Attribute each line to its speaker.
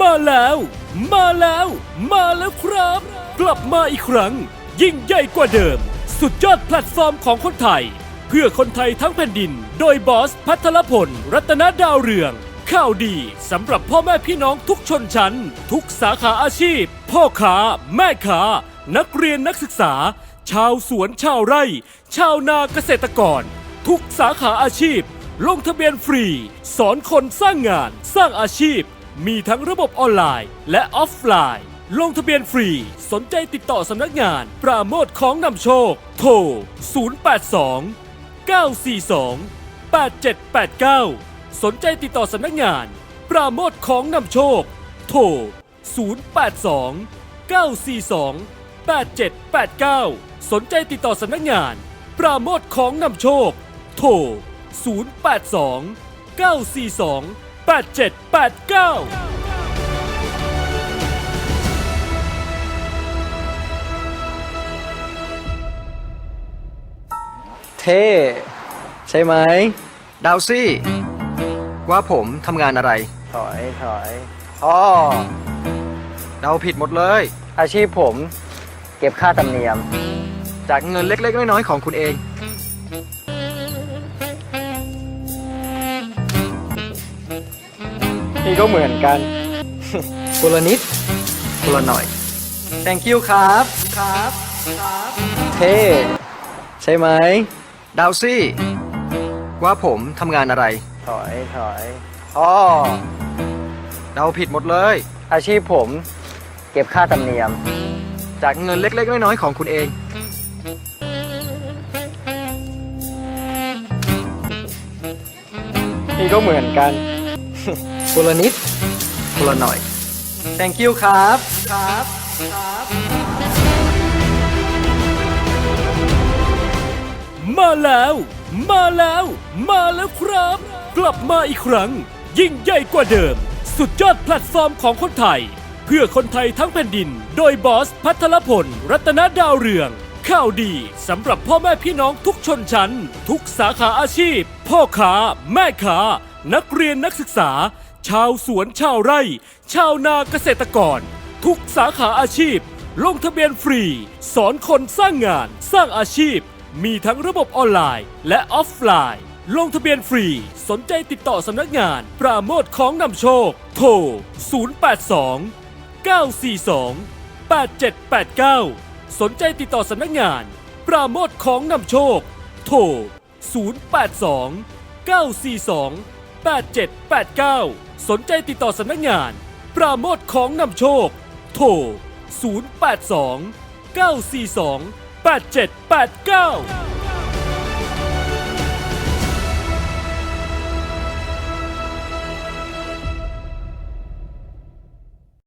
Speaker 1: มาแล้วมาแล้วครับ กลับมาอีกครั้ง ยิ่งใหญ่กว่าเดิม สุดยอดแพลตฟอร์มของคนไทย เพื่อคนไทยทั้งแผ่นดิน โดยบอสพัทรพลรัตนดาวเรือง ข่าวดีสำหรับพ่อแม่พี่น้องทุกชนชั้น ทุกสาขาอาชีพ พ่อค้าแม่ค้านักเรียนนักศึกษา ชาวสวนชาวไร่ ชาวนาเกษตรกร ทุกสาขาอาชีพ ลงทะเบียนฟรี สอนคนสร้างงานสร้างอาชีพ มีทั้งระบบออนไลน์และออฟไลน์ ลงทะเบียนฟรี สนใจติดต่อสำนักงาน ปราโมทย์ของนำโชค โทร 082 942 8789 สนใจติดต่อสำนักงาน ปราโมทย์ของนำโชค โทร 082 942 8789 สนใจติดต่อสำนักงาน ปราโมทย์ของนำโชค โทร 082 942 8789
Speaker 2: เท่ใช่ไหม
Speaker 3: ดาวซี่ว่าผมทำงานอะไร
Speaker 2: ถอยอ๋อ
Speaker 3: เดาผิดหมดเลย
Speaker 2: อาชีพผมเก็บค่าธรรมเนียม
Speaker 3: จากเงินเล็กๆน้อยๆของคุณเอง
Speaker 2: นี่ก็เหมือนกัน
Speaker 3: คนละนิดคนละหน่อย
Speaker 2: thank you ครับเท่ใช่ไหม
Speaker 3: ดาวซี่ว่าผมทำงานอะไร
Speaker 2: ถอยอ๋อ
Speaker 3: เดาผิดหมดเลย
Speaker 2: อาชีพผมเก็บค่าธรรมเนียม
Speaker 3: จากเงินเล็กๆน้อยๆของคุณเอง
Speaker 2: นี่ก็เหมือนกัน
Speaker 3: คนละนิดคนละหน่อย
Speaker 2: thank you ครับ
Speaker 1: มาแล้วครับ กลับมาอีกครั้ง ยิ่งใหญ่กว่าเดิม สุดยอดแพลตฟอร์มของคนไทย เพื่อคนไทยทั้งแผ่นดิน โดยบอสพัทรพลรัตนดาวเรือง ข่าวดีสำหรับพ่อแม่พี่น้องทุกชนชั้น ทุกสาขาอาชีพ พ่อค้าแม่ค้านักเรียนนักศึกษา ชาวสวนชาวไร่ ชาวนาเกษตรกร ทุกสาขาอาชีพ ลงทะเบียนฟรี สอนคนสร้างงานสร้างอาชีพ มีทั้งระบบออนไลน์และออฟไลน์ ลงทะเบียนฟรี สนใจติดต่อสำนักงาน ปราโมทย์ของนำโชค โทร 082 942 8789 สนใจติดต่อสำนักงาน ปราโมทย์ของนำโชค โทร 082 942 8789 สนใจติดต่อสำนักงาน ปราโมทย์ของนำโชค โทร 082 942 8789